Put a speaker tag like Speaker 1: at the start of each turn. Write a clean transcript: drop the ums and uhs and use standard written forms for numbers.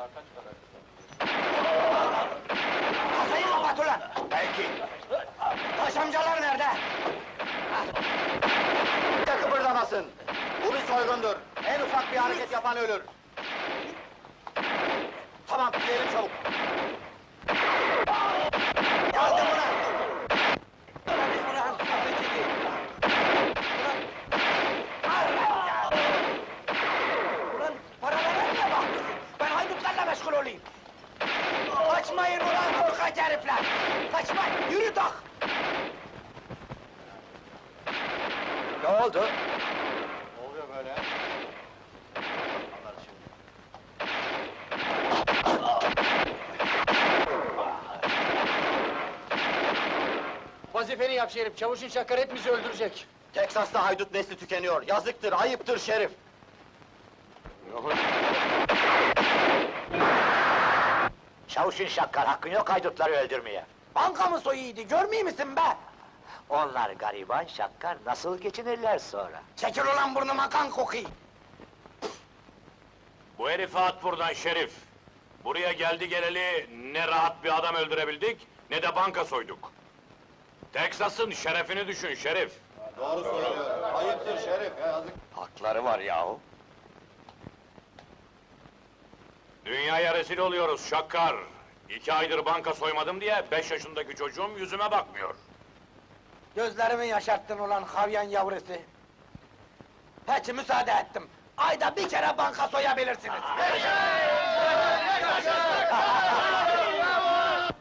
Speaker 1: Kasayı kapat ulan!
Speaker 2: Belki.
Speaker 1: Taş amcalar nerede?
Speaker 2: Kimse kıpırdamasın. Bu bir soygundur. En ufak bir hareket yapan ölür. Tamam, gidelim çabuk.
Speaker 1: Yardım ulan! Ulan, kapıyı çekil! Ulan! Allah ya! Ulan, paralara niye baktın? Ben haydutlarla meşgul olayım! Kaçmayın ulan korkak herifler! Kaçmayın, yürü tak!
Speaker 2: Ne oldu?
Speaker 3: Ne oluyor böyle?
Speaker 4: Vazifeni yap Şerif, çavuşun Şakar hepimizi öldürecek.
Speaker 2: Teksas'ta haydut nesli tükeniyor. Yazıktır, ayıptır Şerif.
Speaker 1: Çavuşun Şakkar hakkın yok haydutları öldürmeye. Banka mı soyuydu, görmüyor musun be? Onlar gariban Şakkar, nasıl geçinirler sonra? Çekil ulan burnuma kan kokuyor!
Speaker 5: Bu herifi at buradan Şerif! Buraya geldi geleli ne rahat bir adam öldürebildik, ne de banka soyduk. Teksas'ın şerefini düşün Şerif!
Speaker 3: Doğru söylüyor. Ayıptır Şerif. Yazık.
Speaker 2: Hakları var yahu.
Speaker 5: Dünyaya rezil oluyoruz Şakkar! 2 aydır banka soymadım diye 5 yaşındaki çocuğum yüzüme bakmıyor.
Speaker 1: Gözlerimi yaşarttın ulan havyan yavrusu! Peki müsaade ettim. Ayda bir kere banka soyabilirsiniz.